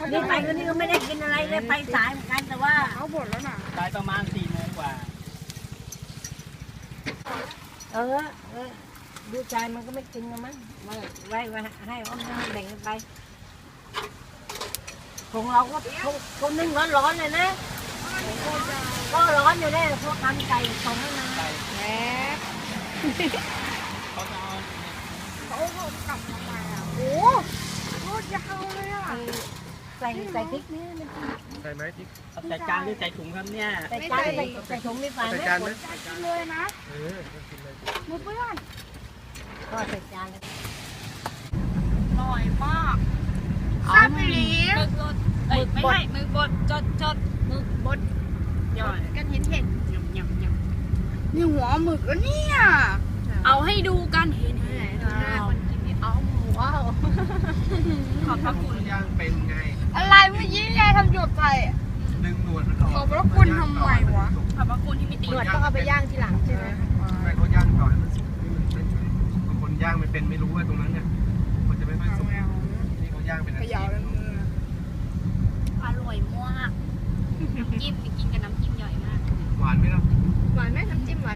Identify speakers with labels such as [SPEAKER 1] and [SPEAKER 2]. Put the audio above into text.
[SPEAKER 1] นี่ไปวันนี้ก็ไม่ได้กินอะไรเลยไปสายเหมือนกันแต่ว่า
[SPEAKER 2] เขาบ่นแล้วน่ะ
[SPEAKER 3] ตายประมาณ4 โมงกว่า
[SPEAKER 1] เออดูใจมันก็ไม่กินกันมั้งมาไว้ให้อ้อมแบ่งกันไปของเราก็คนนึ่งร้อนๆเลยนะก็ร้อนอยู่ได้พวกทำไก่ส่งให้มา
[SPEAKER 3] ไก่
[SPEAKER 2] แหม
[SPEAKER 3] เขาจะเอา
[SPEAKER 2] เขากลับมาใหม่อ่ะโอ้โคตรยาวเลยอ่ะ
[SPEAKER 1] ใส่พริกนี่มัน
[SPEAKER 4] ใส่ไหมพริก
[SPEAKER 3] เอาใส่จานหรือใส่ถุงครับเนี่ย
[SPEAKER 1] ใส่จานใส่ถุงมีฝา
[SPEAKER 4] ใส่
[SPEAKER 1] ไหม
[SPEAKER 4] จานไหม
[SPEAKER 2] อยากกินเลยนะ
[SPEAKER 4] เออกินเลย
[SPEAKER 2] มือเปื้อน
[SPEAKER 1] ก็ใส่จานเลย
[SPEAKER 2] อร่อยมากแซ่บไปเลย
[SPEAKER 5] มึกบดเอ้ยไม่ใช่มึกบดจดมึกบดยอดกันเห็นยำ
[SPEAKER 2] นี่หัวหมึกแล้วเนี่ย
[SPEAKER 5] เอาให้ดูกันเห็นคนกินนี่เอาว้าวขอบพระคุณ
[SPEAKER 4] ย่างเป็นไง
[SPEAKER 2] อะไรเมื่อกี้ยายทำหยดใส่
[SPEAKER 4] ดึงหนวดมันออก
[SPEAKER 2] ขอบพระคุณทำไมวะ
[SPEAKER 5] ขอบพระคุณที่มีตี
[SPEAKER 1] หนวดต้องเอาไปย่างทีหลังใช่ไหม
[SPEAKER 4] ไม่เขาย่างต่อให้มันสุกให้มันเฉยๆบางคนย่างไม่เป็นไม่รู้ว่าตรงนั้นเนี่ยมันจะไม่ค่อยสุกนี่เขาย่างเป็น
[SPEAKER 2] ข
[SPEAKER 4] อาชี
[SPEAKER 2] ยาว
[SPEAKER 4] พ
[SPEAKER 2] แล้วมือ
[SPEAKER 5] อร่อยมากน้ำจิ้มกินกับน้ำจิ้มใหญ่มาก
[SPEAKER 4] หวานไหมล่ะ
[SPEAKER 2] หวานไหมน้ำจิ้มหวาน